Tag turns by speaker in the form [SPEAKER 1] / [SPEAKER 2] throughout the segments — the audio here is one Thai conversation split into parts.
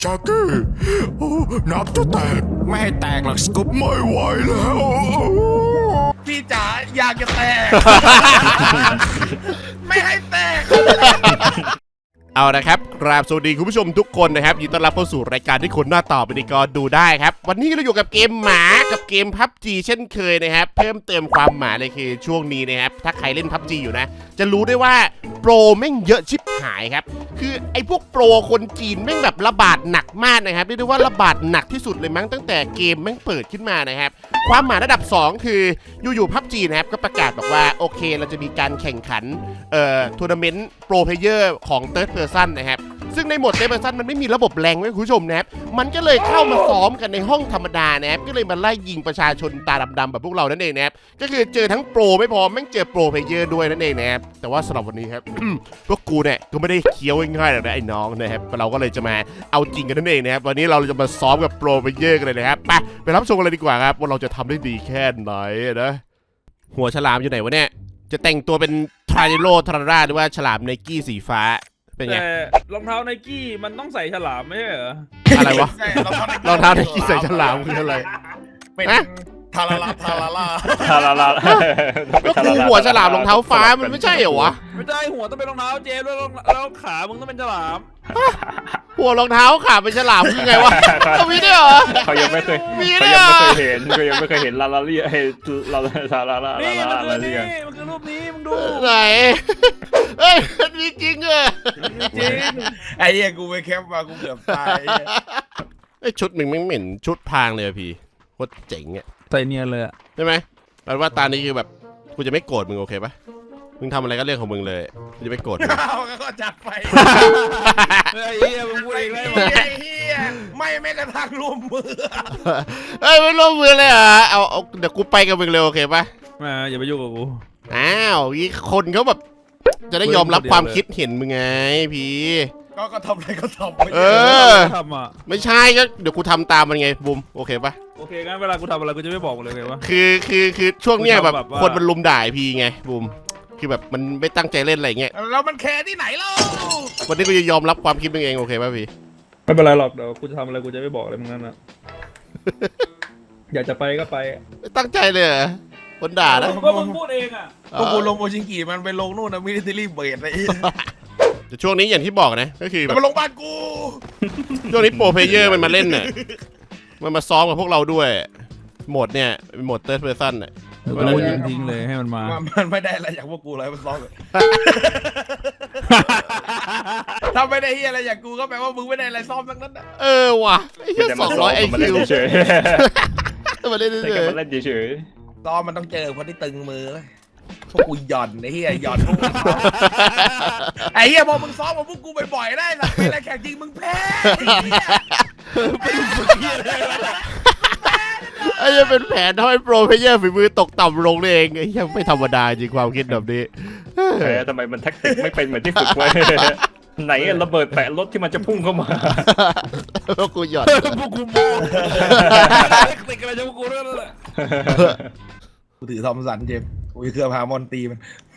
[SPEAKER 1] จากกี้โอ้นับจะแตกไม่ให้แตกหรอกสกุปไม่ไหวแล้วพี่จ๋าอยากจะแตก ไม่ให้แตก
[SPEAKER 2] เอาละครับกราบสวัสดีคุณผู้ชมทุกคนนะครับยินดีต้อนรับเข้าสู่รายการที่คนหน้าต่อไปดีก็ดูได้ครับวันนี้เราอยู่กับเกมหมากับเกม PUBG เช่นเคยนะครับเพิ่มเติมความหมาเลยคือช่วงนี้นะครับถ้าใครเล่น PUBG อยู่นะจะรู้ได้ว่าโปรแม่งเยอะชิบหายครับคือไอ้พวกโปรคนจีนแม่งแบบระบาดหนักมากนะครับเรียกได้ว่าระบาดหนักที่สุดเลยมั้งตั้งแต่เกมแม่งเปิดขึ้นมานะครับความหมาระดับ2คืออยู่ๆ PUBG นะครับก็ประกาศบอกว่าโอเคเราจะมีการแข่งขันทัวร์นาเมนต์โปรเพลเยอร์ของ Third Person นะครับซึ่งในโหมด Third Person มันไม่มีระบบแรงไว้คุณผู้ชมนะครับมันก็เลยเข้ามาซ้อมกันในห้องธรรมดานะครับก็เลยมาไล่ยิงประชาชนตาดำๆแบบพวกเรานั่นเองนะครับก็คือเจอทั้งโปรไม่พอแม่งเจอโปรเพลเยอร์ด้วยนั่นเองนะครับแต่ว่าสำหรับวันนี้ครับ พวกกูเนี่ยก็ไม่ได้เคี้ยวง่ายๆหรอกนะไอ้น้องนะครับเราก็เลยจะมาเอาจริงกันนั่นเองนะครับวันนี้เราจะมาซ้อมกับโปรเพลเยอร์กันเลยนะครับไปรับชมกันเลยดีกว่าครับว่าเราจะทำได้ดีแค่ไหนนะหัวฉลามอยู่ไหนวะเนี่ยจะแต่งตัวเป็นทราโรทราร่าหรือว่าฉลามไนกี้สีฟ้าเป็นไง
[SPEAKER 3] แต่รองเท้าไนกี้มันต้องใส่ฉลามไม่ใช่เหรอ
[SPEAKER 2] อะไรวะรองเท้าไนกี้ใส่ฉลามคืออะไร
[SPEAKER 1] เป็น
[SPEAKER 2] ฮะ
[SPEAKER 1] ทาราลาทาราลา
[SPEAKER 4] ทาราลา
[SPEAKER 2] ก็กูหัวฉลามรองเท้าฟ้ามันไม่ใช่เหรอวะ
[SPEAKER 3] ไม่ได้หัวต้องเป็นรองเท้าเจมส์แล้วขามึงต้องเป็นฉลาม
[SPEAKER 2] หัวรองเท้าขาเป็นฉลามคือไงวะเอามีด้วยเหรอ
[SPEAKER 4] เขายังไม่เคย
[SPEAKER 2] มี
[SPEAKER 4] เขา
[SPEAKER 2] ด้วย
[SPEAKER 4] ยัง
[SPEAKER 2] เหรอ
[SPEAKER 4] ไม่เคยเห็นเขายังไม่เคยเห็นลาลาเรียให้ลาทาราลา
[SPEAKER 3] นี่
[SPEAKER 4] ลา
[SPEAKER 3] มัน
[SPEAKER 4] ลา
[SPEAKER 3] คือ
[SPEAKER 4] เรี
[SPEAKER 3] นี่
[SPEAKER 4] ย
[SPEAKER 3] มันคือรูปนี้มึงดู
[SPEAKER 2] ไหนเอ้ยมันมีจริงเหรอ
[SPEAKER 3] จริง
[SPEAKER 1] ไอ้เหี้ยกูไปแคปมากูเกือบตาย
[SPEAKER 2] ไอยชุดมึงไม่เหม็นชุดพรางเลยอะพี่โคตรเจ๋งอ่ะ
[SPEAKER 3] ใส่เนียนเลยอะ
[SPEAKER 2] ใช่ไหมแปลว่าตานี้คือแบบกูจะไม่โกรธมึงโอเคปะมึงทำอะไรก็เรื่องของมึงเลยกูจะไม่โกรธมึง
[SPEAKER 1] เอาก็จัดไป
[SPEAKER 3] ไอ้เหี้ยมึงพูดเองได้ไหม
[SPEAKER 1] ไอ้เหี้ยไม่แม้กระทั่งร่วมมือ
[SPEAKER 2] เอ้ยไม่ร่วมมือเลยเหรอเอาเดี๋ยวกูไปกับมึงเลยโอเคปะ
[SPEAKER 3] มาอย่าไปยุ่งกับกู
[SPEAKER 2] อ้าวมีคนเขาแบบจะได้ยอมรับความคิดเห็นมึงไงพี่
[SPEAKER 1] ก็ทำอะไรก็ทำไป
[SPEAKER 2] เออ
[SPEAKER 3] ทำอ่ะ
[SPEAKER 2] ไม่ใช่ก็เดี๋ยวกูทำตามมันไงบูมโอเคปะ
[SPEAKER 3] โอเคงั้นเวลากูทำอะไรกูจะไม่บอกมึงเลยไงวะ
[SPEAKER 2] คือช่วงเนี้ยแบบ
[SPEAKER 3] แบบว่า
[SPEAKER 2] คนมันลุมด่าไอ้พี่ไงบูมคือแบบมันไม่ตั้งใจเล่นอะไรเงี้ย
[SPEAKER 1] แล้วมันแคร์ที่ไหนเล่า
[SPEAKER 2] วันนี้กูจะยอมรับความคิดมึงเองโอเคปะพี่
[SPEAKER 3] ไม่เป็นไรหรอกเดี๋ยวกูจะทำอะไรกูจะไม่บอกอะไรมึงนั่นนะ อยากจะไปก็ไป
[SPEAKER 2] ไม่ตั้งใจเลยเหรอคนด่านะ
[SPEAKER 3] ก็มึงพูดเองอ่ะ
[SPEAKER 1] พวกกูลงโอชิงกิมันไปลงนู่นนะมิลิเทอรี่เบสไอ้เหี้ย
[SPEAKER 2] แต่ช่วงนี้อย่างที่บอกนะก็คือแบ
[SPEAKER 1] แต่
[SPEAKER 2] บ
[SPEAKER 1] มันลงบ้านกู
[SPEAKER 2] ช่วงนี้โปรเพลเยอร์มันมาเล่นน่ะมันมาซ้อมกับพวกเราด้วยโหมดเนี่ยโหมด Third Person น่ะ
[SPEAKER 3] กูยิงทิ้งเลยให้มันมา
[SPEAKER 1] มันไม่ได้อะไรจากพวกกูเลยมันซ้อมเลยถ้าไม่ได้เฮียอะไรอย่างกูก็แปลว่ามึงไม่ได้อะไรซ้อมทั้งนั้นนะ
[SPEAKER 2] เออว่ะไอ้เหี้ย
[SPEAKER 4] แต่
[SPEAKER 2] ส
[SPEAKER 4] มา
[SPEAKER 2] อง
[SPEAKER 4] ซ้
[SPEAKER 2] ร้
[SPEAKER 4] อ
[SPEAKER 2] อย
[SPEAKER 4] ม
[SPEAKER 2] ไอ
[SPEAKER 4] มา
[SPEAKER 2] คิ
[SPEAKER 4] เล่น
[SPEAKER 2] ว
[SPEAKER 4] เฉย
[SPEAKER 2] มาเล่น
[SPEAKER 4] แต่
[SPEAKER 2] เฉ
[SPEAKER 4] ก็
[SPEAKER 2] ย
[SPEAKER 4] มาเล่นเฉย
[SPEAKER 1] ซ้อมมันต้องเจอคนที่ตึงมือพวกกูหย่อนไอ้เฮียหย่อนพวกกูไอ้เฮียพอมึงซ้อมกับพวกกูบ่อยๆได้หลังเวลาแข่งจริงมึงแพ้ไอ้เฮีย
[SPEAKER 2] ไอ้เหี้ยเป็นแผนทำให้โปรเพลเยอร์ฝีมือตกต่ำลงนี่เองไอ้เหี้ยไม่ธรรมดาจริงความคิดแบบนี้
[SPEAKER 4] ทำไมมันแท็กติกไม่เป็นเหมือนที่ฝึกไว้ไหนระเบิดแปะรถที่มันจะพุ่งเข้ามา
[SPEAKER 2] พวกกูหยอด
[SPEAKER 3] พวกกูโมติดกันอะไรจะพวกกูนั่นแหละ
[SPEAKER 1] กูถือทอมสันเจมกูเครื่องพามอนตีมัน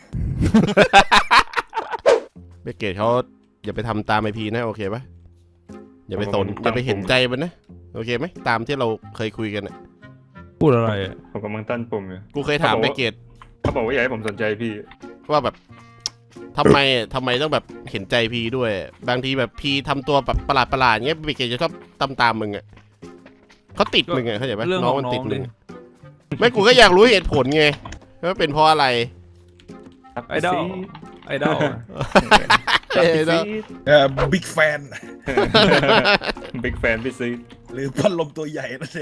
[SPEAKER 2] เบเกตเขาอย่าไปทำตามไอพีนะโอเคปะอย่าไปสนอย่าไปเห็นใจมันนะโอเคไหมตามที่เราเคยคุยกันน่ะ
[SPEAKER 3] พูดอะไรอ่ะ
[SPEAKER 4] ผมกำลังตั้นปุ่มอยู่
[SPEAKER 2] กูเคยถามเบเกต
[SPEAKER 4] เขาบอกว่าอยากให้ผมสนใจพี่
[SPEAKER 2] ว่าแบบทำไมต้องแบบเห็นใจพีด้วย บางทีแบบพีทำตัวแบบประหลาดเงี้ยเบเกตจะชอบตามมึงอ่ะเขาติดมึงอ่ะเข้าใจปะน้องมันติดมึงไม่กูก็อยากรู้เหตุผลไงว่าเป็นเพราะอะไร
[SPEAKER 3] ไอดอลไอดอล
[SPEAKER 1] บิ๊กแฟน
[SPEAKER 4] บิ๊กแฟนพี่ซี
[SPEAKER 1] หรือพัดลมตัวใหญ่นั่นเอง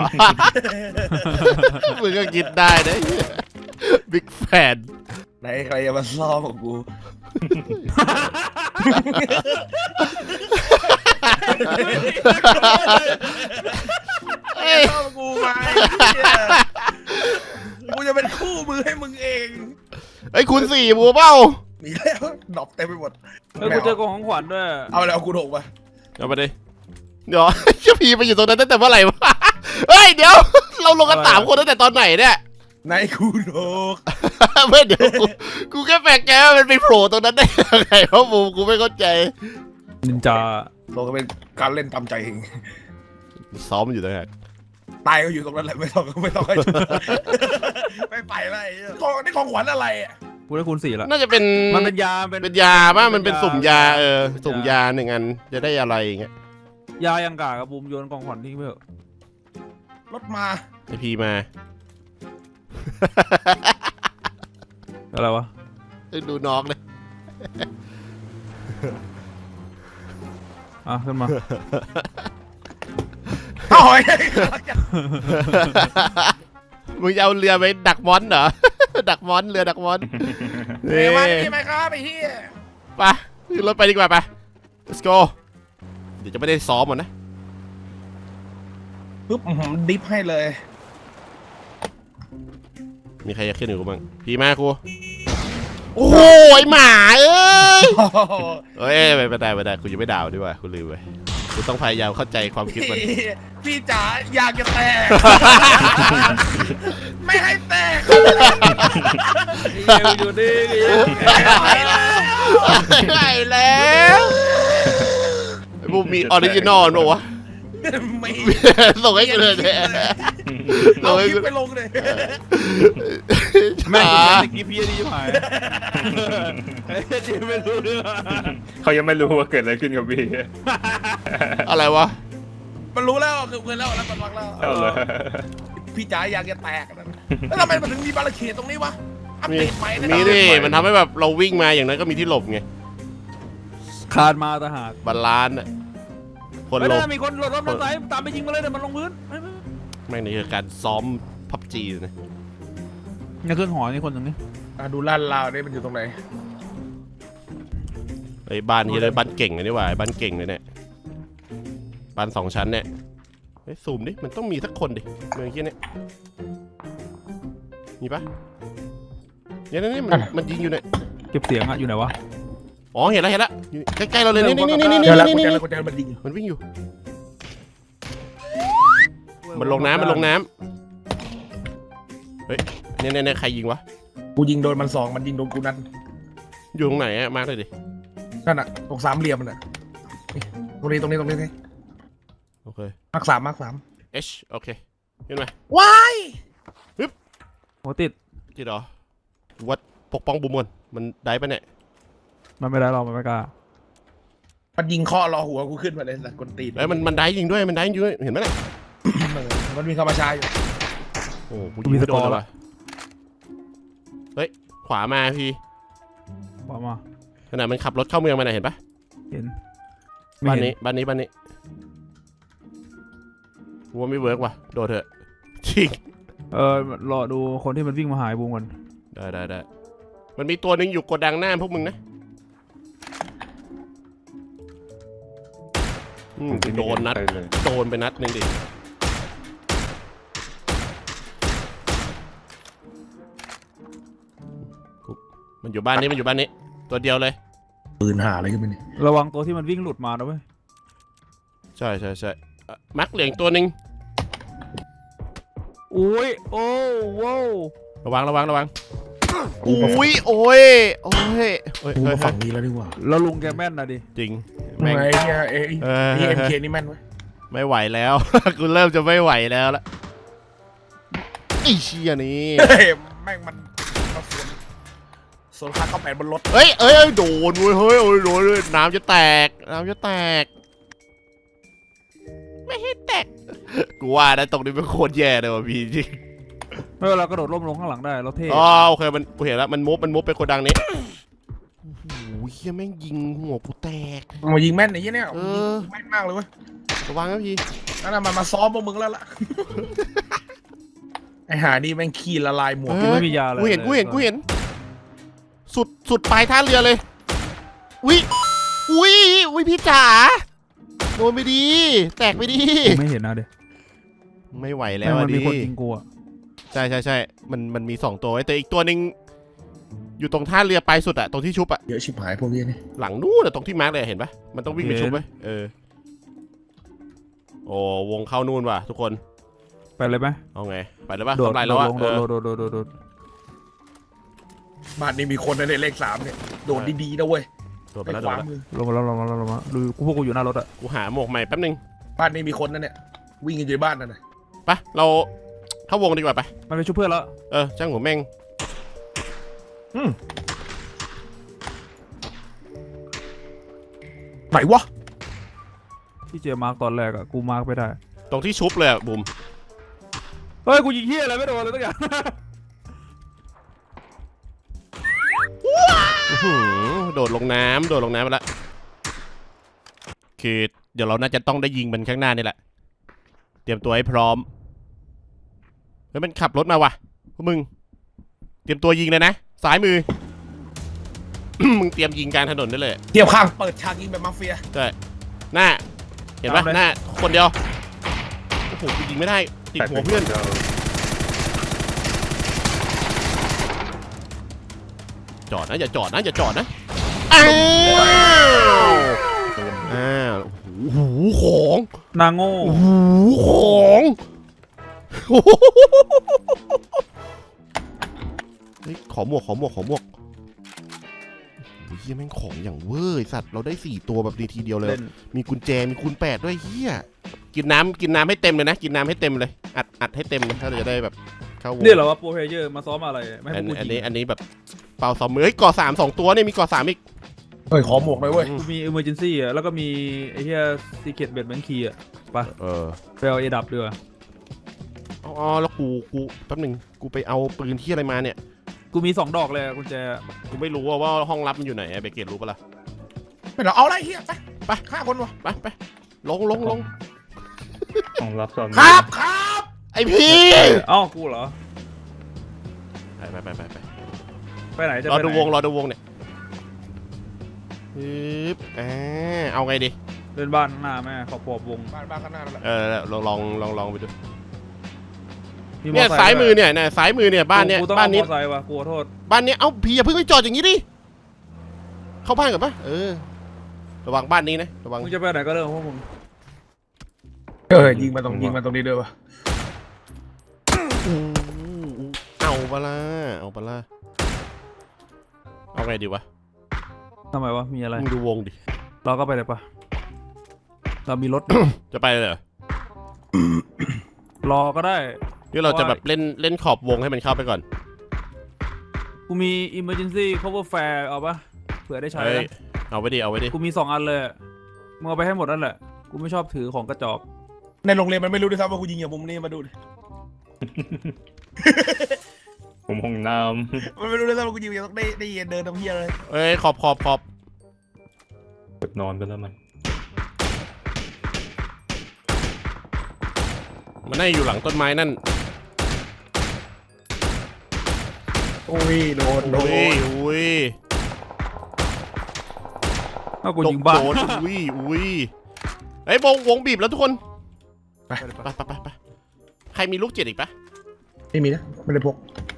[SPEAKER 2] มึงก็คิดได้นะบิ๊กแฟน
[SPEAKER 1] ไหนใครจะมาซ้อมกับกูไอ้ซ้อมกับกูมากูจะเป็นคู่มือให้มึงเอง
[SPEAKER 2] ไอ้คุณสี่บัวเป้า
[SPEAKER 1] มีแล้วดอกเต็มไปหมด
[SPEAKER 3] แล้วกูเจอกองของขวัญด้วย
[SPEAKER 1] เอาแล้วกูโถกมา
[SPEAKER 2] เอาไปดิเดี๋ยวเจ้าพีไปอยู่ตรงนั้นตั้งแต่เมื่อไหร่วะเฮ้ยเดี๋ยวเราลงกัน3 คนตั้งแต่ตอนไหนเนี่ย
[SPEAKER 1] ในกูโถก
[SPEAKER 2] ไม่เดี๋ยวกูแค่แปลกใจว่ามันไปโผล่ตรงนั้นได้ยังไงเพราะบูมกูไม่เข้าใจ
[SPEAKER 3] นินจา
[SPEAKER 1] โลก็เป็นการเล่นตามใจเอง
[SPEAKER 2] ซ้อมอยู่ตั้งแต่
[SPEAKER 1] ตายก็อยู่ตรงนั้นแหละไม่ต้องให้ช่วยไม่ไปแล้วไอ้เหี้ยนี่ของขวัญอะไรอ่ะ
[SPEAKER 3] กูได้คูณ 4ละ
[SPEAKER 2] น่าจะเป็น
[SPEAKER 3] มันเป็นยา
[SPEAKER 2] เป็นยาป่ะมันเป็นสุ่มยาสุ่มยา1 อันจะได้อะไรอย่างเงี้ย
[SPEAKER 3] ยายังกากระบุมโยนกองขวัญทิ้งไปเถอะ
[SPEAKER 1] รถมา
[SPEAKER 2] ไอพีมา
[SPEAKER 3] อะไรวะ
[SPEAKER 2] ดูน้องเลย
[SPEAKER 3] ขึ้นมา
[SPEAKER 1] โอ้ย
[SPEAKER 2] มึงจะเอาเรือไปดักมอนเหรอ ดักมอนเรือดักมอน
[SPEAKER 1] เฮ้ยมาที่ไหมครับไอ้เหี้ย
[SPEAKER 2] ไปขึ้นรถไปดีกว่าไป let's go เดี๋ยวจะไม่ได้ซ้อมหมดนะ
[SPEAKER 1] ปึ๊บดิฟให้เลย
[SPEAKER 2] มีใครจะขึ้นอยู่กูบ้างพี่มากูโอ้ยหมาเอ้ยไม่ได้กูยังไม่ด่าดีกว่ากูลืมไปกูต้องพยายามเข้าใจความคิดมัน
[SPEAKER 1] พี่จ๋าอยากจะแตก ไม่ให้แตก
[SPEAKER 3] อยู่ดิ
[SPEAKER 1] ไปแล้ว
[SPEAKER 2] ไม่แล้วบูมีออริจินอลป่าวะ
[SPEAKER 1] ไม่
[SPEAKER 2] ส่งให้กูเลยเนี่ย
[SPEAKER 1] เอาคลิปไปลงเลย
[SPEAKER 3] แม่งสกิปพี่ดีหายจีไม่รู้เรื่อง
[SPEAKER 4] เขายังไม่รู้ว่าเกิดอะไรขึ้นกับพี่
[SPEAKER 2] อะไรวะ
[SPEAKER 1] มันรู้แล้วคือเพื่อนแล้วมันฟังแล้ว
[SPEAKER 4] เอาเลย
[SPEAKER 1] พี่จ๋าอยากจะแตกแล้วทำไมมันถึงมีบาร์เขตตรงนี้วะอัปเดตใหม่นะ
[SPEAKER 2] มีดิมันทำให้แบบเราวิ่งมาอย่างนั้นก็มีที่หลบไง
[SPEAKER 3] คานมาตะหาก
[SPEAKER 2] บาลานซ์อะคน
[SPEAKER 3] ไม่
[SPEAKER 2] หล
[SPEAKER 3] ได้
[SPEAKER 2] บ
[SPEAKER 3] มีคนหลดรถมอเตอร์ไซค์ตามไปยิงมาเลยเดี๋ยวมันลงพื้น
[SPEAKER 2] แม่งนี่คือการซ้อมพับจีนะ
[SPEAKER 3] เนี่ยขึ้นหอนี่คนตรงนี้
[SPEAKER 1] ดูลาดลาวนี่มันอยู่ตรงไหน
[SPEAKER 2] ไอ้บ้านนี้เลยบ้านเก่งเลยนี่หว่าบ้านเก่งเลยเนี่ยบ้าน2 ชั้นเนี่ยเฮ้ยซูมดิมันต้องมีสักคนดิเมืองที่เนี่ยมีปะเนี่ยนี่มันยิงอยู่เนี่ย
[SPEAKER 3] เก็บเสียงอะอยู่ไหนวะ
[SPEAKER 2] อ๋อเห็นแล้วอยู่ใกล้ๆเราเลยนี่
[SPEAKER 1] เจอแล้วกูเจอแล้วกูเจอมันดิง
[SPEAKER 2] มันวิ่งอยู่มันลงน้ำเฮ้ยเนี่ยใครยิงวะ
[SPEAKER 1] กูยิงโดนมัน2มันยิงโดนกูนัด
[SPEAKER 2] อยู่ตรงไหนอะมาเลยดิ
[SPEAKER 1] นั่นน่ะตรง3เหลี่ยมมันน่ะตรงนี้
[SPEAKER 2] โอเค
[SPEAKER 1] มาร์ค3
[SPEAKER 2] H โอเคขึ้นมา
[SPEAKER 1] ว้าย
[SPEAKER 3] โหติด
[SPEAKER 2] ที่หรอวัดปกป้องบุมมนมันได้ปะเนี่ย
[SPEAKER 3] มันไม่ได้เรามันไม่กล้า
[SPEAKER 1] มันยิงข้อรอหัวกูขึ้นมาเลยสัตว์กนตีน
[SPEAKER 2] เอ้ยมันได้ยิงด้วยมันได้ยิงด้วยเห็นไหมเนี่ย
[SPEAKER 1] มันมีคำประชาอยู่
[SPEAKER 2] โอ้กูยิงไม่โดนเลยว่ะเฮ้ยขวามาพี่
[SPEAKER 3] บอกมา
[SPEAKER 2] ขณะมันขับรถเข้าเมืองมาน่ะเห็นปะ
[SPEAKER 3] เห็น
[SPEAKER 2] บ้านนี้กูว่าไม่เวิร์กว่ะโดนเถอะจริง
[SPEAKER 3] รอดูคนที่มันวิ่งมาหายบูมก่อน
[SPEAKER 2] ได้มันมีตัวหนึ่งอยู่โกดังหน้าพวกมึงนะโดนนัด
[SPEAKER 4] เลย
[SPEAKER 2] โดนไปนัดหนึ่งดิมันอยู่บ้านนี้ตัวเดียวเลย
[SPEAKER 1] ปืนหาอะไรขึ้นไปนี่
[SPEAKER 3] ระวังตัวที่มันวิ่งหลุดมานะเว้ย
[SPEAKER 2] ใช่มักเหลืองตัวหนึ่ง
[SPEAKER 3] อุ้ยโอ้โว้ว
[SPEAKER 2] ระวังอุ้ยโอ้ย
[SPEAKER 1] กูมาฝั่งนี้แล้วดีกว่า
[SPEAKER 3] แล้วลุงแกแม่นนะดิ
[SPEAKER 2] จริง
[SPEAKER 1] ไอ้
[SPEAKER 2] แม่ง
[SPEAKER 1] เนี่ยเอ็มเคนี่แม่นไหม
[SPEAKER 2] ไม่ไหวแล้ว กูเริ่มจะไม่ไหวแล้วละไอ้เชี่ยนี่
[SPEAKER 1] แม่งมันส่วนค่าเข้า8บนรถ
[SPEAKER 2] เฮ้ยโดนเว้ยเฮ้ยโดนเลยน้ำจะแตกไม่ให้แตกกูว่านะตรงนี้เป็นโคตรแย่เลยว่ะพี่จริง
[SPEAKER 3] ไม่เวลากระโดดร่มลงข้างหลังได้เราเท่
[SPEAKER 2] อ๋อโอเคมันกูเห็นแล้วมันมุฟไปโกดังนี้โอ้โหเฮียแม่งยิงหัวกูแตก
[SPEAKER 1] มายิงแม่นไอ้เนี่ยแม่นมากเลยเว้ย
[SPEAKER 2] ระวังนะพี่
[SPEAKER 1] นั่นน่ะมันมาซ้อมพวกมึงแล้วล่ะไอ้หานี่แม่งขี้ละลายหมวก
[SPEAKER 3] ไม่มียาเลย
[SPEAKER 2] กูเห็นสุดปลายท่าเรือเลยอุ้ยพี่จ๋าโดนไปดีแตกไปดี
[SPEAKER 3] ไม่เห็นนะเด็ก
[SPEAKER 2] ไม่ไหวแล้ว
[SPEAKER 3] มันมี
[SPEAKER 2] ดิ
[SPEAKER 3] คนยิงกูอะ
[SPEAKER 2] ใช่มันมี2ตัวแต่อีกตัวหนึ่งอยู่ตรงท่าเรือปลายสุดอะตรงที่ชุบอะ
[SPEAKER 1] เยอะชิบหายพวกนี้นี่
[SPEAKER 2] หลังนู้นอะตรงที่มาร์กเลยเห็นปะมันต้องวิ่งไปชุบไหมโอ้วงเข้านู่นว่ะทุกคน
[SPEAKER 3] ไปเลยไหม
[SPEAKER 2] เอาไงไปเลยปะ
[SPEAKER 3] โดด
[SPEAKER 2] ทำลายแล้วอะ
[SPEAKER 3] โดด
[SPEAKER 1] บ้านนี้มีคนในเลข3เนี่ยโดดดีๆนะเว้ย
[SPEAKER 2] โดดไป
[SPEAKER 1] ไป
[SPEAKER 2] แล้ว
[SPEAKER 1] ข
[SPEAKER 2] โดด
[SPEAKER 1] วา
[SPEAKER 2] แล้ว
[SPEAKER 1] มือ
[SPEAKER 3] ลงมาดูพวกกูอยู่หน้ารถอะ
[SPEAKER 2] กูหาหมวกใหม่แป๊บนึง
[SPEAKER 1] บ้านนี้มีคนนั่นเนี่ยวิ่งกันอยู่ในบ้านนั่นน่ะ
[SPEAKER 2] ไปเราเข้าวงดีกว่าไป
[SPEAKER 3] มันไปช่วยเพื่อนแล้ว
[SPEAKER 2] ช่างหัวแม่ง
[SPEAKER 1] ไหนวะ
[SPEAKER 3] ที่เจมาร์กตอนแรกอะกูมาร์กไม่ได้
[SPEAKER 2] ตรงที่ชุบเลยอะบุ๋ม
[SPEAKER 3] เฮ้ยกูยิงเฮียอะไรไม่โดนเลยตั้งอย่าง
[SPEAKER 2] อื้อหือโดดลงน้ำไปละคือเดี๋ยวเราน่าจะต้องได้ยิงมันข้างหน้านี่แหละเตรียมตัวให้พร้อมเฮ้ยมันขับรถมาว่ะพวกมึงเตรียมตัวยิงเลยนะซ้ายมือ มึงเตรียมยิงกลางถนนได้เลย
[SPEAKER 1] เทียบข้างเปิดฉากยิงแบบมาเฟีย
[SPEAKER 2] ใช่หน้าเห็นปะหน้าคนเดียวโอ้โหกูยิงไม่ได้ติดหัวเพื่อนจอดนะอย่าจอดนะอ้าวโอ้โหของ
[SPEAKER 3] นางโง่
[SPEAKER 2] โอ้โหของเฮ้ยขอหมวกโอ้ยเฮียแม่งของอย่างเวอร์ไอ้สัตว์เราได้4ตัวแบบดีทีเดียวเลย มีกุญแจมีคูณ8ด้วยเฮียกินน้ำให้เต็มเลยนะกินน้ำให้เต็มเลยอัดให้เต็มเลยถ้าเราจะได้แบบเข้าวง
[SPEAKER 3] นี่เหรอวะโปรเพลเยอร์มาซ้อมอะไรไม่ให้กู
[SPEAKER 2] อัน
[SPEAKER 3] ยิ
[SPEAKER 2] นี้
[SPEAKER 3] ง
[SPEAKER 2] อันนี้แบบเป่าซ้อมมือเฮ้ยก่อ3 2ตัวเนี่ยมีก่อ3อีก
[SPEAKER 1] เฮ้ยขอหมวกหน่อยเว้ย
[SPEAKER 3] กูมี emergency อะแล้วก็มีไอ้เฮีย secret bed bank key อะไป
[SPEAKER 2] เออ
[SPEAKER 3] ไปเอาเอดับด้วย
[SPEAKER 2] อ๋อแล้วกูแป๊บหนึงกูไปเอาปืนที่อะไรมาเนี่ย
[SPEAKER 3] กูมี2 ดอกเลยกุญแจ
[SPEAKER 2] กูไม่รู้ว่าห้องลับมันอยู่ไหนเบเกตรู้ปะล่ะ
[SPEAKER 1] ไม่เหรอเอาอะไรเฮียไปฆ่าคนวะ
[SPEAKER 2] ไปลง
[SPEAKER 4] ของรับสอน
[SPEAKER 1] ครับ
[SPEAKER 2] ไอพี่
[SPEAKER 3] เอ้ากูเหรอ
[SPEAKER 2] ไป
[SPEAKER 3] ไปไหนจะ
[SPEAKER 2] รอ
[SPEAKER 3] ไป
[SPEAKER 2] ดู
[SPEAKER 3] ไหน
[SPEAKER 2] วงเนี่ยปึ๊บเอาไงดี
[SPEAKER 3] เดินบ้านข้างหน้าแม่ขอบขอบวง
[SPEAKER 1] บ้านข้างหน้านั่นแหละ
[SPEAKER 2] ลองไปดู
[SPEAKER 3] มี
[SPEAKER 2] เนี่ย
[SPEAKER 3] ไซค์
[SPEAKER 2] ซ้ายมือ
[SPEAKER 3] ด้ว
[SPEAKER 2] เนี่ยซ้ายมือเนี่ยบ้านเนี้ย
[SPEAKER 3] กูต้อง
[SPEAKER 2] บ้านนี้
[SPEAKER 3] เอมอไซค์ว่ะกูขอโทษ
[SPEAKER 2] บ้านเนี้ยเอ้าพี่อย่าเพิ่งไปจอดอย่างนี้ดิเข้าบ้านก่อนปะระวังบ้านนี้นะระวัง
[SPEAKER 3] มึงจะไปไหนก็เรื่องของพวกมึง
[SPEAKER 1] ยิงมาตรงนี้ด้วยวะ
[SPEAKER 2] เอาปะล่ะเอาไงดีวะ
[SPEAKER 3] ทำไมวะมีอะไร
[SPEAKER 2] มึงดูวงดิ
[SPEAKER 3] เราก็ไปเลยปะเรามีรถ
[SPEAKER 2] จะไปเลยเหรอ
[SPEAKER 3] รอก็ได้
[SPEAKER 2] นี่เราจะแบบเล่นขอบวงให้มันเข้าไปก่อน
[SPEAKER 3] กูมี emergency cover fare เอาปะเผื่อได้ใช้
[SPEAKER 2] เฮ้ย
[SPEAKER 3] นะ
[SPEAKER 2] เอาไว้ดิ
[SPEAKER 3] กูมี2 อันเลยมึงเอาไปให้หมดนั่นแหละกูไม่ชอบถือของกระจอก
[SPEAKER 1] ในโรงเรียนมันไม่รู้ด้วยซ้ำว่ากูยิงอย่างมุมนี้มาดูดิ
[SPEAKER 4] ผมห้องน้
[SPEAKER 1] มันไม่รู้ด้วยซ้ำว่ากูยิงอย่างต้องได้เดินทำเฮียเลย
[SPEAKER 2] เอ้ยขอบ
[SPEAKER 4] ำกดนอนไปแล้วมัน
[SPEAKER 2] มันน่าจะอยู่หลังต้นไม้นั่น
[SPEAKER 1] โอ้ยโดน
[SPEAKER 2] อุ้ย
[SPEAKER 3] ถ้ากูยิงบ้าน
[SPEAKER 2] โดนอุ้ยเฮ้ยวงบีบแล้วทุกคนไปใครมีลูก7อีกปะ
[SPEAKER 1] ไม่มีนะไม่ได้พก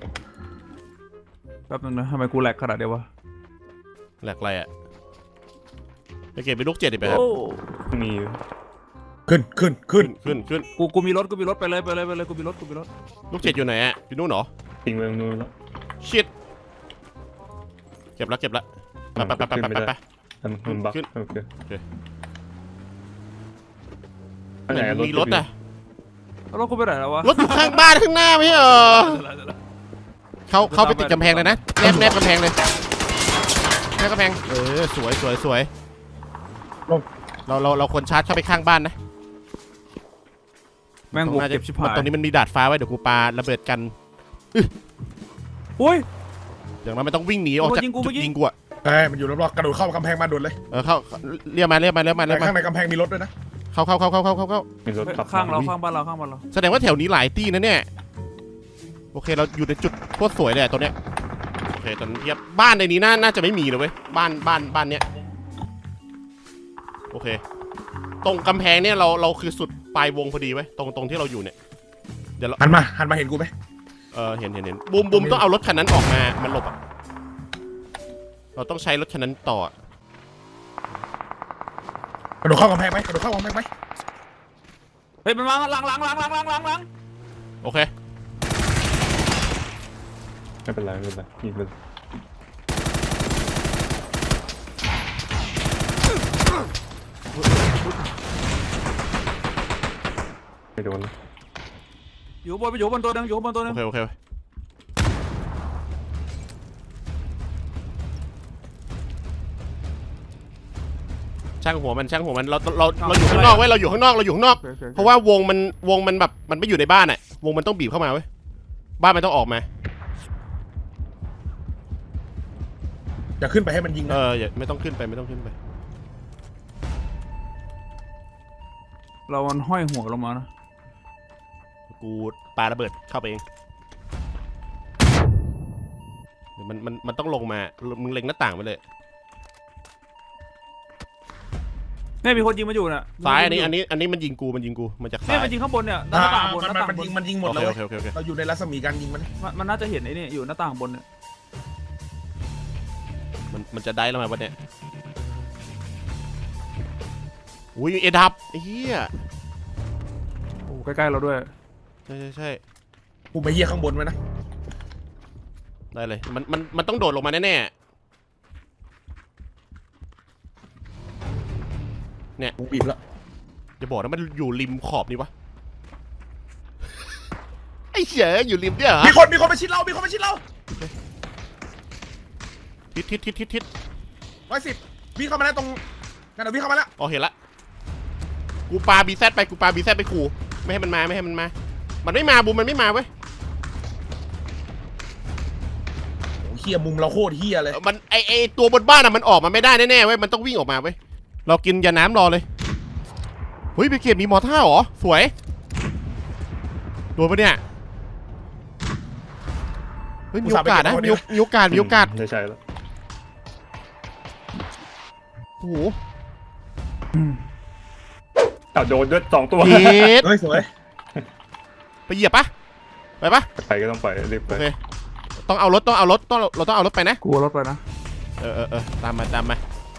[SPEAKER 3] แป๊บนึงนะทำไมกูแหลกขนาดเดียววะ
[SPEAKER 2] แหลกอะไรอ่ะไปเก็บไปลูก7อีกไปครับ
[SPEAKER 3] โอ้
[SPEAKER 4] มี
[SPEAKER 1] ขึ้น
[SPEAKER 2] ขึ้น
[SPEAKER 3] กูมีรถไปเลยกูมีรถ
[SPEAKER 2] ลูก7อยู่ไหนอ่ะอยู่นู่นเหรอ
[SPEAKER 4] ทิ้งไว้ตรงนู้นแล้ว
[SPEAKER 2] ชิดเก็บละไป
[SPEAKER 4] แต่มันบัก
[SPEAKER 2] ขึ้น
[SPEAKER 4] โอเค
[SPEAKER 2] เหมือนมีรถอ่ะ
[SPEAKER 3] แล้วรถกูไปไหนแล้ววะ
[SPEAKER 2] รถอยู่ข้างบ้านข้างหน้าไม่ใช่เหรอเข้าไปติดกำแพงเลยนะแนบกำแพงเลยแนบกำแพงสวยเราควรชาร์จเข้าไปข้างบ้านนะ
[SPEAKER 3] แม่งบวกเก็บชิบหาย
[SPEAKER 2] ตรงนี้มันมีดาดฟ้าไว้เดี๋ยวกูปาระเบิดกัน
[SPEAKER 3] อุ้ย
[SPEAKER 2] อย่างนั้นมันต้องวิ่งหนีออกจาก
[SPEAKER 3] ยิงกู
[SPEAKER 2] จุด
[SPEAKER 3] เมื่อกี้
[SPEAKER 2] ยิงกูอะ
[SPEAKER 1] มันอยู่รอบๆกระโดดเข้ากำแพงมาโดดเลย
[SPEAKER 2] เข้าเรียกมา
[SPEAKER 1] แต่ข้างในกำแพงมีรถด้วยนะ
[SPEAKER 2] เข้า
[SPEAKER 4] มีรถขับ
[SPEAKER 3] ข้างบ้านเรา
[SPEAKER 2] แสดงว่าแถวนี้หลายตี้นะเนี่ยโอเคเราอยู่ในจุดโคตรสวยเลยตัวเนี้ยโอเคตอนนี้บ้านในนี้น่าจะไม่มีเลยเว้ยบ้านเนี้ยโอเคตรงกำแพงเนี่ยเราคือสุดปลายวงพอดีไว้ตรงที่เราอยู่เนี่ยเดี๋ยวเรา
[SPEAKER 1] หันมาเห็นกูไหม
[SPEAKER 2] เห็นบูมต้องเอารถคันนั้นออกมามันหลบอ่ะเราต้องใช้รถคันนั้นต่อก
[SPEAKER 1] ระโดดเข้ากำแพงไหม
[SPEAKER 3] เฮ้ยมันมาหลัง
[SPEAKER 2] โอเค
[SPEAKER 4] ไม่เป็นไรยิงไปไม่โดนนะ
[SPEAKER 3] อยู่บนตัวนึงอยู่บนตัวนึง
[SPEAKER 2] โอเคช่างหัวมันเราอยู่ข้างนอกเว้ยเราอยู่ข้างนอกเพราะว่าวงมันแบบมันไม่อยู่ในบ้านอะวงมันต้องบีบเข้ามาเว้ยบ้านมันต้องออกมา
[SPEAKER 1] อย่าขึ้นไปให้มันยิงนะ
[SPEAKER 2] อย่าไม่ต้องขึ้นไป
[SPEAKER 3] เรามันห้อยหัวลงมานะ
[SPEAKER 2] กูปาระเบิดเข้าไปเองเดี๋ยวมันต้องลงมามึงเล็งหน้าต่างไปเลย
[SPEAKER 3] เนี่ยมีคนยิงมาอยู่น่ะ
[SPEAKER 2] ซ้ายอันนี้มันยิงกูมาจากซ้า
[SPEAKER 3] เนี่ย
[SPEAKER 2] ย
[SPEAKER 3] มันยิงข้างบนเนี่ยหน้าต่างบนหน้าต่างบน
[SPEAKER 1] มันยิงหมดเลย
[SPEAKER 2] โอเค
[SPEAKER 1] เราอยู่ในรัศมีการยิงมัน
[SPEAKER 3] มันน่าจะเห็นไอ้นี่อยู่หน้าต่างบนเนี่ย
[SPEAKER 2] มันจะได้แล้วไหมวันเนี้ยอุ้ยเอดับไอ้เหี้ย
[SPEAKER 3] โอ้ใกล้ๆเราด้วย
[SPEAKER 2] ใช่
[SPEAKER 1] กูไปเยี่ยข้างบนไว้นะ
[SPEAKER 2] ได้เลยมันต้องโดดลงมาแน่
[SPEAKER 1] กูบีบแล้ว
[SPEAKER 2] ๆอย่าบอกนะมันอยู่ริมขอบนี่วะไอ้เหี้ยอยู่ริมเนี่ยเหรอ
[SPEAKER 1] มีคนมาชิดเรา
[SPEAKER 2] ทิศ
[SPEAKER 1] 110วิ่งเข้ามาแล้วตรงนั่นน่ะวิ่งเข้ามาแล้ว
[SPEAKER 2] อ๋อเห็นละกูปาบีแซดไปขู่ไม่ให้มันมามันไม่มาบูมมันไม่มาเว้ย
[SPEAKER 1] โอ้เฮียมุมเราโคตรเฮียเลย
[SPEAKER 2] มันไอตัวบนบ้านอะมันออกมาไม่ได้แน่ๆเว้ยมันต้องวิ่งออกมาเว้ยเรากินยาน้ำรอเลยเฮ้ยไปเก็บมีมอท่าเหรอสวยโดนปะเนี่ยเฮ้ยมีโอกาสนะมีโอกาส
[SPEAKER 4] ใช่แล้ว
[SPEAKER 2] โอ้โห
[SPEAKER 4] โดนด้วย2 ตัว
[SPEAKER 2] เฮ็ด
[SPEAKER 1] เฮ้ยสวย
[SPEAKER 2] ไปเหยียบปะไปปะ
[SPEAKER 4] ไปก็ต้องไปรีบไป
[SPEAKER 2] โอเคต้องเอารถเราต้องเอารถไปนะ
[SPEAKER 3] กลัวรถไปนะ
[SPEAKER 2] ตามมา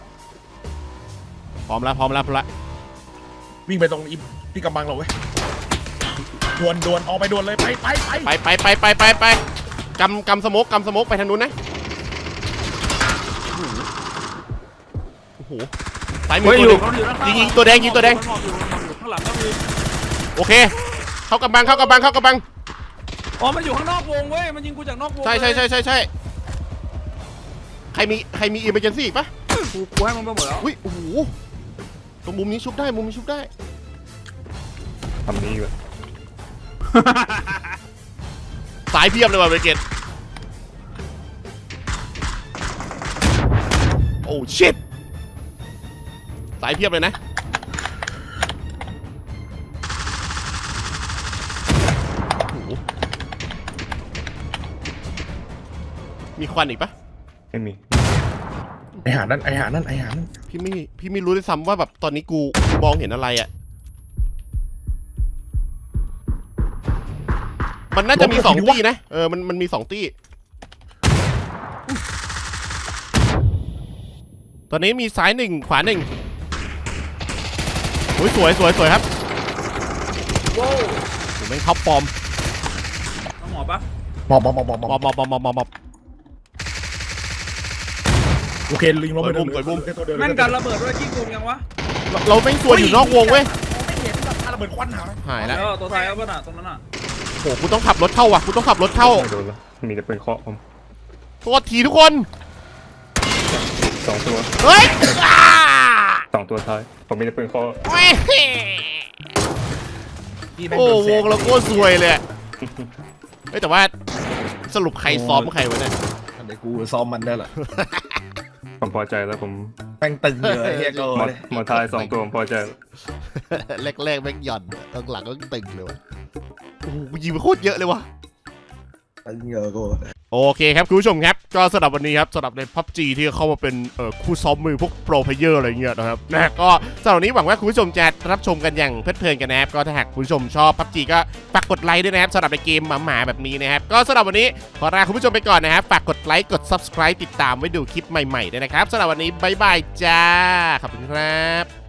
[SPEAKER 2] พร้อมแล้ว
[SPEAKER 1] วิ่งไปตรงที่กำบังเราเว้ยดวนออกไปดวนเลยไป
[SPEAKER 2] กำสโมกไปทางนู้นนะโอ้โหซ้ายมือตัวหนึ่งยิงตัวแดงข้างหลังก็มีโอเคเข้ากำบัง
[SPEAKER 3] อ๋อมันอยู่ข้างนอกวงเว้ยมันยิงกูจากนอกวง
[SPEAKER 2] ใช่ใครมีอิมเมอร์เจนซี่ปะ
[SPEAKER 3] กูให้มันไปหมดแล้ว
[SPEAKER 2] อุ้ยโอ้โหตรงมุมนี้ชุบได้
[SPEAKER 4] ทำนี้อยู่
[SPEAKER 2] สายเพียบเลยว่ะเบเกตโอ้ชิตสายเพียบเลยนะโอ้โหมีควันอีกปะ
[SPEAKER 4] ไม่มี
[SPEAKER 1] ไอหานั่น
[SPEAKER 2] พี่ไม่รู้ด้วยซ้ำว่าแบบตอนนี้กูมองเห็นอะไรอ่ะมันน่าจะมี2 ตี้นะมันมี2 ตี้ตอนนี้มีซ้าย1ขวา1โอ้ยสวยครับ
[SPEAKER 3] ว้าว
[SPEAKER 2] ผมแม่งท็อปฟอร์ม
[SPEAKER 3] น้องหมอปะ
[SPEAKER 1] มอบ
[SPEAKER 2] มอบ
[SPEAKER 1] โอเคลิงลงไป
[SPEAKER 3] แม่นการระเบิดด้วยขี้โกงยังวะ
[SPEAKER 2] เราแม่งสวยอยู่นอกวงเว้ย
[SPEAKER 1] ไม่เห็นแบบระเบิดควันหาย
[SPEAKER 2] หายแล้ว
[SPEAKER 3] ตัวท้ายเอาป่ะน่ะตรงนั้นน่ะ
[SPEAKER 2] โหกูต้องขับรถเข้าว่ะกูต้องขับรถเข้า
[SPEAKER 4] ไม่โดนแล้วมีแต่เป็นเคาะผม
[SPEAKER 2] ตัวทีทุกคน
[SPEAKER 4] 2 ตัว
[SPEAKER 2] เฮ้ย
[SPEAKER 4] 2 ตัวท้ายผมมีแต่เป็นเคาะ
[SPEAKER 2] โอ้วงเราโคตรสวยเลยเฮ้ยแต่ว่าสรุปใครซ้อมใครวะเนี่ย
[SPEAKER 1] เดี๋ยวกูซ้อมมันได้แหละ
[SPEAKER 4] ผมพอใจแล้วผม
[SPEAKER 1] แป้งตึงเลยเฮียโก้
[SPEAKER 4] มอท้าย2 ตัวผมพอใจแล้ว
[SPEAKER 2] แรกแม่งหย่อนตอนหลังก็ตึงเลยวะโอ้โหยิงไปโคตรเยอะเลยวะ
[SPEAKER 1] ตึงเยอะโก้
[SPEAKER 2] โอเคครับคุณผู้ชมครับก็สำหรับวันนี้ครับสำหรับใน PUBG ที่เข้ามาเป็นคู่ซ้อมมือพวกโปรเพลเยอร์อะไรเงี้ยนะครับนะก็สำหรับวันนี้หวังว่าคุณผู้ชมจะรับชมกันอย่างเพลิดเพลินกันนะครับก็ถ้าหากคุณผู้ชมชอบ PUBG ก็ฝากกดไลค์ด้วยนะครับสำหรับในเกมหมาๆแบบนี้นะครับก็สำหรับวันนี้ขอลาคุณผู้ชมไปก่อนนะครับฝากกดไลค์กด Subscribe ติดตามไว้ดูคลิปใหม่ๆด้วยนะครับสำหรับวันนี้บ๊ายบายจ้าขอบคุณครับ